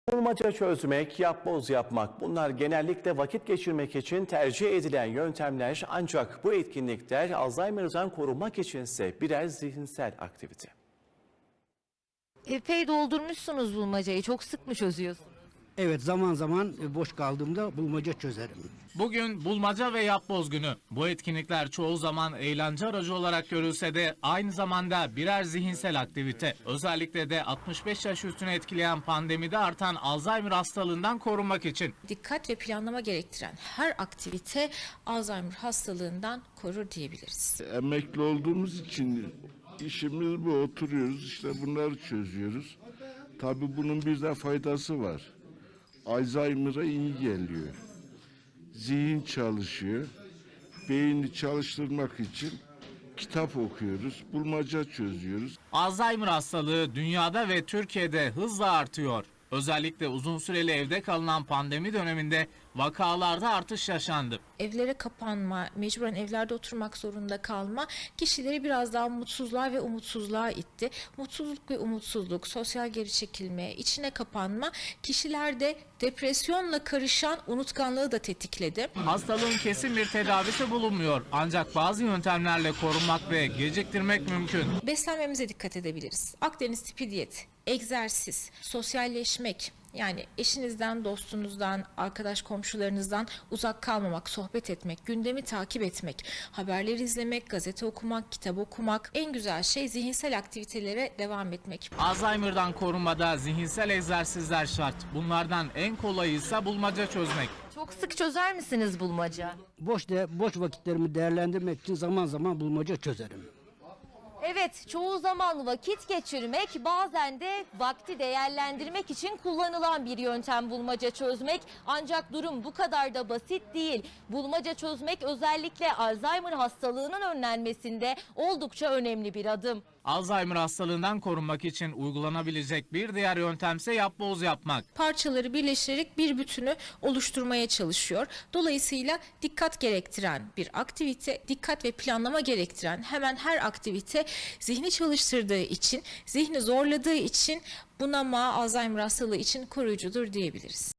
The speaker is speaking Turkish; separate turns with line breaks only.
Bulmaca çözmek, yapboz yapmak bunlar genellikle vakit geçirmek için tercih edilen yöntemler, ancak bu etkinlikler Alzheimer'dan korunmak içinse birer zihinsel aktivite.
Epey doldurmuşsunuz bulmacayı. Çok sık mı çözüyorsunuz?
Evet, zaman zaman boş kaldığımda bulmaca çözerim.
Bugün bulmaca ve yapboz günü. Bu etkinlikler çoğu zaman eğlence aracı olarak görülse de aynı zamanda birer zihinsel aktivite. Özellikle de 65 yaş üstünü etkileyen pandemide artan Alzheimer hastalığından korunmak için.
Dikkat ve planlama gerektiren her aktivite Alzheimer hastalığından korur diyebiliriz.
Emekli olduğumuz için işimiz bu, oturuyoruz işte bunları çözüyoruz. Tabii bunun bir de faydası var. Alzheimer'a iyi geliyor. Zihin çalışıyor. Beyni çalıştırmak için kitap okuyoruz, bulmaca çözüyoruz.
Alzheimer hastalığı dünyada ve Türkiye'de hızla artıyor. Özellikle uzun süreli evde kalınan pandemi döneminde vakalarda artış yaşandı.
Evlere kapanma, mecburen evlerde oturmak zorunda kalma kişileri biraz daha mutsuzluğa ve umutsuzluğa itti. Mutsuzluk ve umutsuzluk, sosyal geri çekilme, içine kapanma kişilerde depresyonla karışan unutkanlığı da tetikledi.
Hastalığın kesin bir tedavisi bulunmuyor. Ancak bazı yöntemlerle korunmak ve geciktirmek mümkün.
Beslenmemize dikkat edebiliriz. Akdeniz tipi diyet, egzersiz, sosyalleşmek, yani eşinizden, dostunuzdan, arkadaş komşularınızdan uzak kalmamak, sohbet etmek, gündemi takip etmek, haberleri izlemek, gazete okumak, kitap okumak. En güzel şey zihinsel aktivitelere devam etmek.
Alzheimer'dan korunmada zihinsel egzersizler şart. Bunlardan en kolayı ise bulmaca çözmek.
Çok sık çözer misiniz bulmaca?
Boş vakitlerimi değerlendirmek için zaman zaman bulmaca çözerim.
Evet, çoğu zaman vakit geçirmek, bazen de vakti değerlendirmek için kullanılan bir yöntem bulmaca çözmek. Ancak durum bu kadar da basit değil. Bulmaca çözmek özellikle Alzheimer hastalığının önlenmesinde oldukça önemli bir adım.
Alzheimer hastalığından korunmak için uygulanabilecek bir diğer yöntemse yapboz yapmak.
Parçaları birleştirerek bir bütünü oluşturmaya çalışıyor. Dolayısıyla dikkat gerektiren bir aktivite, dikkat ve planlama gerektiren hemen her aktivite zihni çalıştırdığı için, zihni zorladığı için bunama, Alzheimer hastalığı için koruyucudur diyebiliriz.